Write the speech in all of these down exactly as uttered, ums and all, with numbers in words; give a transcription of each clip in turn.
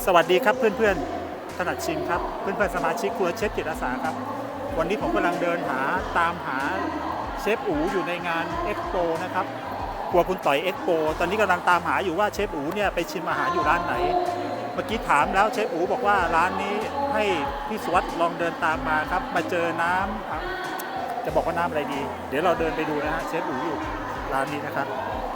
สวัสดีครับเพื่อนๆถนัดชิมครับเพื่อนๆสมาชิกครัวเชฟจิตอาสาครับวันนี้ผมกำลังเดินหาตามหาเชฟอู๋อยู่ในงานเอ็กโปนะครับครัวคุณต่อยเอ็กโปตอนนี้กำลังตามหาอยู่ว่าเชฟอู๋เนี่ยไปชิมอาหารอยู่ร้านไหนเมื่อกี้ถามแล้วเชฟอู๋บอกว่าร้านนี้ให้พี่สวัสดิ์ลองเดินตามมาครับมาเจอน้ำจะบอกว่าน้ำอะไรดีเดี๋ยวเราเดินไปดูนะฮะเชฟอู๋อยู่ร้านนี้นะครับ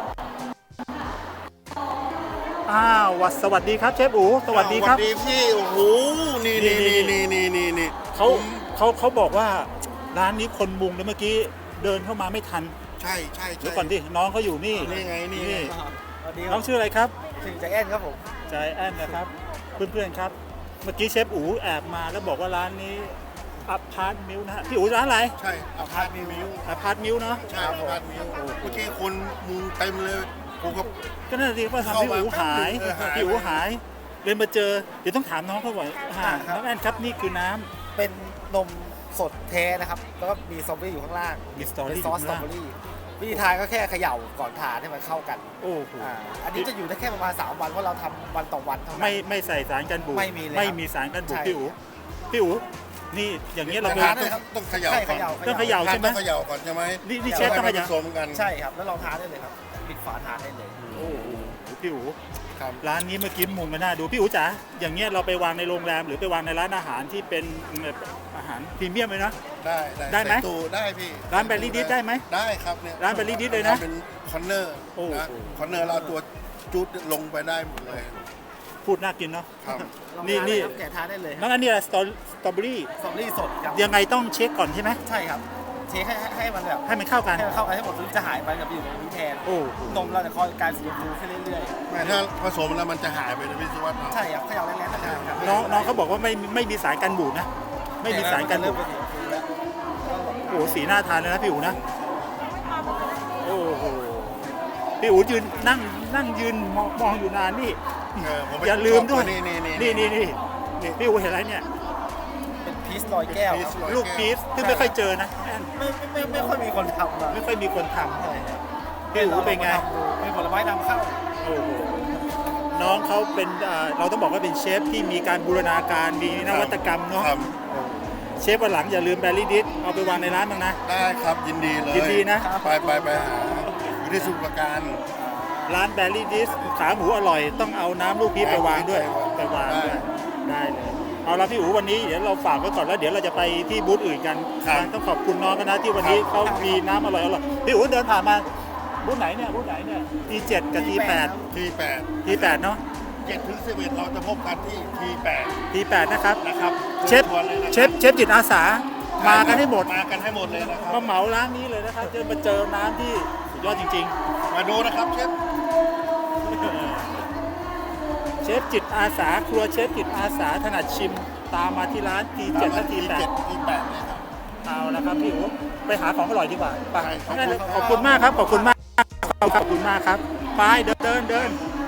อ้าวสวัสดีครับเชฟอู๋สวัสดีครับสวัสดีพี่โอ้โหนี่นี่นี่นี่นี่นี่เขาเขาเขาบอกว่าร้านนี้คนมุงแล้วเมื่อกี้เดินเข้ามาไม่ทันใช่ใช่เดี๋ยวก่อนดิน้องเขาอยู่นี่นี่ไงนี่น้องชื่ออะไรครับชื่อใจแอนครับผมใจแอนนะครับเพื่อนๆครับเมื่อกี้เชฟอู๋แอบมาแล้วบอกว่าร้านนี้อพาร์ตมิลนะฮะพี่อู๋ร้านอะไรใช่อพาร์ตมิลอพาร์ตมิลเนาะใช่อพาร์ตมิลเมื่อกี้คนมุงเต็มเลยผมก็ก็น่าดีว่าทำพี่อู๋หายพี่อู๋หายเลยมาเจอเดี๋ยวต้องถามน้องเขาบ่อยน้องแอนครับนี่คือน้ำเป็นนมสดแท้นะครับแล้วก็มีสตรอเบอรี่อยู่ข้างล่างมีสตรอเบอรี่ซอสสตรอเบอรี่วิธีทานก็แค่เขย่าก่อนทานให้มันเข้ากันโอ้โหอันนี้จะอยู่ได้แค่ประมาณสามวันเพราะเราทำวันต่อวันเท่านั้นไม่ไม่ใส่สารกันบูดไม่มีเลยไม่มีสารกันบูดพี่อู๋พี่อู๋นี่อย่างเงี้ยเราต้องเขย่าก่อนต้องเขย่าใช่ไหมต้องเขย่าก่อนใช่ไหมนี่นี่เชฟต้องเขย่ากันใช่ครับแล้วลองทานได้เลยครับปิดฝาทานได้เลยโอ้โหพี่อู๋ร้านนี้เมื่อกี้มุงมาน่าดูพี่อู๋จ๋าอย่างเงี้ยเราไปวางในโรงแรมหรือไปวางในร้านอาหารที่เป็นอาหารพรีเมียมเลยนะได้ได้ไหมได้พี่ร้านแบรี่ดิสได้ไหมได้ครับเนี่ยร้านแบรี่ดิสเลยนะเป็นคอนเนอร์นะคอนเนอร์เราตัวจุดลงไปได้หมดเลยพูดน่ากินเนาะนี่นี่แกะทานได้เลยน้องอันนี้อะไรสตรอเบอรี่สตรอเบอรี่สดครับยังไงต้องเช็คก่อนใช่ไหมใช่ครับเช็คให้ให้มันแบบให้มันเข้ากันให้มันเข้ากันให้หมดจะหายไปกับอยู่ในนี้แทนโอ้นมเราจะคอยการสีฟูขึ้นเรื่อยๆไม่ถ้าผสมแล้วมันจะหายไปนะพี่สุวัสดิ์ใช่ครับเขย่าแรงๆนะครับน้องน้องเขาบอกว่าไม่ไม่มีสารกันบูดนะไม่มีสารกันบูดโอ้สีน่าทานเลยนะพี่อู๋นะโอ้โหพี่อู๋ยืนนั่งนั่งยืนมองอยู่นานนี่อย่าลืมด้วยนี่นี่นี่นี่นี่พี่อู๋เห็นอะไรเนี่ยเป็นพีชลอยแก้วลูกพีชที่ไม่ค่อยเจอนะไม่ไม่ไม่ค่อยมีคนทำไม่ค่อยมีคนทำพี่อู๋เป็นไงเป็นผลไม้นำเข้าโอ้โหน้องเขาเป็นเราต้องบอกว่าเป็นเชฟที่มีการบูรณาการมีนวัตกรรมเนาะเชฟวันหลังอย่าลืมแบรี่ดิสเอาไปวางในร้านบ้างนะได้ครับยินดีเลยยินดีนะไปไปไปหาอยู่ที่สุพรรณการร้านแบรี่ดิสขาหมูอร่อยต้องเอาน้ำลูกพีชไปวางด้วยไปวางด้วยได้เลยเอาละพี่อู๋วันนี้เดี๋ยวเราฝากไว้ก่อนแล้วเดี๋ยวเราจะไปที่บูธอื่นกันต้องขอบคุณน้องกันนะที่วันนี้เขามีน้ำอร่อยอร่อยพี่อู๋เดินผ่านมาบูธไหนเนี่ยบูธไหนเนี่ย ที เจ็ด กับ ที แปดที แปดที แปด เนาะเจ็ดถึงสิบเอ็ดเราจะพบกันที่ ที แปดที แปด นะครับนะครับเชฟเชฟเชฟจิตอาสามากันให้หมดมากันให้หมดเลยนะครับมาเหมาร้านนี้เลยนะครับจะมาเจอน้ำที่สุดยอดจริงๆมาดูนะครับเชฟเชฟจิตอาสาครัวเชฟจิตอาสาถนัดชิมตามมาที่ร้าน ที เจ็ด และ ที แปดที แปดเลยครับเอาละครับพี่อู๋ไปหาของอร่อยดีกว่าไปขอบคุณมากครับขอบคุณมากขอบคุณมากครับไปเดินเดินเดิน